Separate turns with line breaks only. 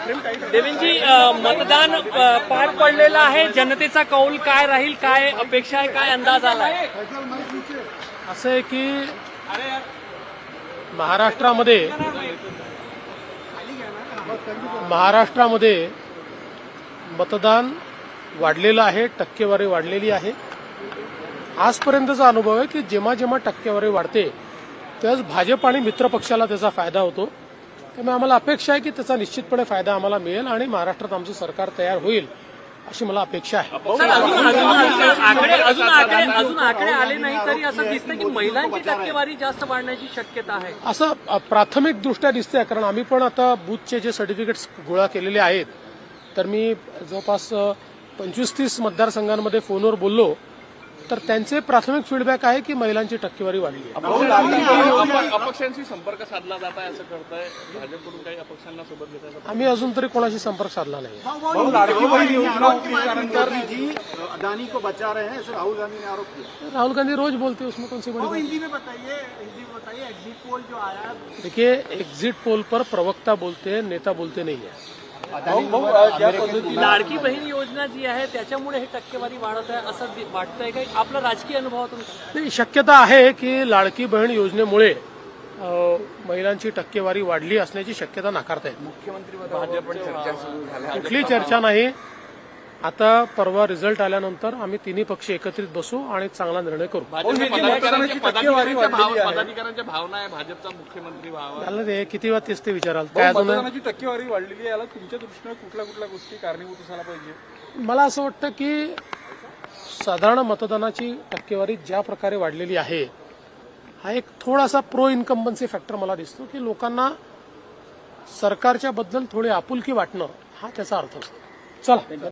देवेंद्रजी, मतदान पार पडलेलं आहे. जनतेचा कौल काय राहील, काय अपेक्षा आहे, काय अंदाज आलाय?
असं आहे की महाराष्ट्रामध्ये मतदान वाढलेलं आहे, टक्केवारी वाढलेली आहे. आजपर्यंतचा अनुभव आहे की जेव्हा जेव्हा टक्केवारी वाढते त्याच भाजप आणि मित्र पक्षाला त्याचा फायदा होतो. त्यामुळे आम्हाला अपेक्षा आहे की त्याचा निश्चितपणे फायदा आम्हाला मिळेल आणि महाराष्ट्रात आमचं सरकार तयार होईल अशी मला अपेक्षा आहे.
अजून आकडे आले नाही तरी असं दिसतं की महिलांची टक्केवारी जास्त वाढण्याची शक्यता आहे,
असं प्राथमिक दृष्ट्या दिसतंय. कारण आम्ही पण आता बूथचे जे सर्टिफिकेट्स गोळा केलेले आहेत, तर मी जवळपास 25-30 मतदारसंघांमध्ये फोनवर बोललो, तर त्यांचे प्राथमिक फीडबॅक आहे की महिलांची टक्केवारी वाढली आहे.
अपक्षांशी संपर्क साधला जात आहे असं करताय भाजपकडून, काही अपक्षांना सोबत घेताय?
आम्ही अजून तरी कोणाशी संपर्क साधला नाही.
अदानी को बचा रहे हैं, ऐसे राहुल गांधी ने आरोप किया.
राहुल गांधी रोज बोलते, उसमें कौन सी बड़ी बात?
हिंदी में बताइए, एग्जिट पोल जो आया.
देखिए, एग्जिट पोल पर प्रवक्ता बोलते हैं, नेता बोलते नहीं है.
लाडकी बहीण योजना जी आहे त्याच्यामुळे हे टक्केवारी वाढत आहे असं वाटतंय का? आपला राजकीय अनुभवातून
नाही, शक्यता आहे की लाडकी बहीण योजनेमुळे महिलांची टक्केवारी वाढली असण्याची शक्यता नाकारता येत. कुठली चर्चा नाही. आता परवा रिझल्ट आल्यानंतर आम्ही तिन्ही पक्ष एकत्रित बसू आणि चांगला निर्णय करू.
पदाधिकाऱ्यांच्या भावना आहे भाजपचा मुख्यमंत्री व्हावा.
झालं ते किती वेळा तेच ते विचाराल. काय अजून
टक्केवारी वाढलेली आहे, याला तुमच्या दृष्टीने कुठल्या गोष्टी कारणीभूत असायला पाहिजे?
मला असं वाटतं की साधारण मतदानाची टक्केवारी ज्या प्रकारे वाढलेली आहे, हा एक थोडासा प्रो इन्कम्बन्सी फॅक्टर मला दिसतो की लोकांना सरकारच्या बद्दल थोडी आपुलकी वाटणं हा त्याचा अर्थ असतो. चला.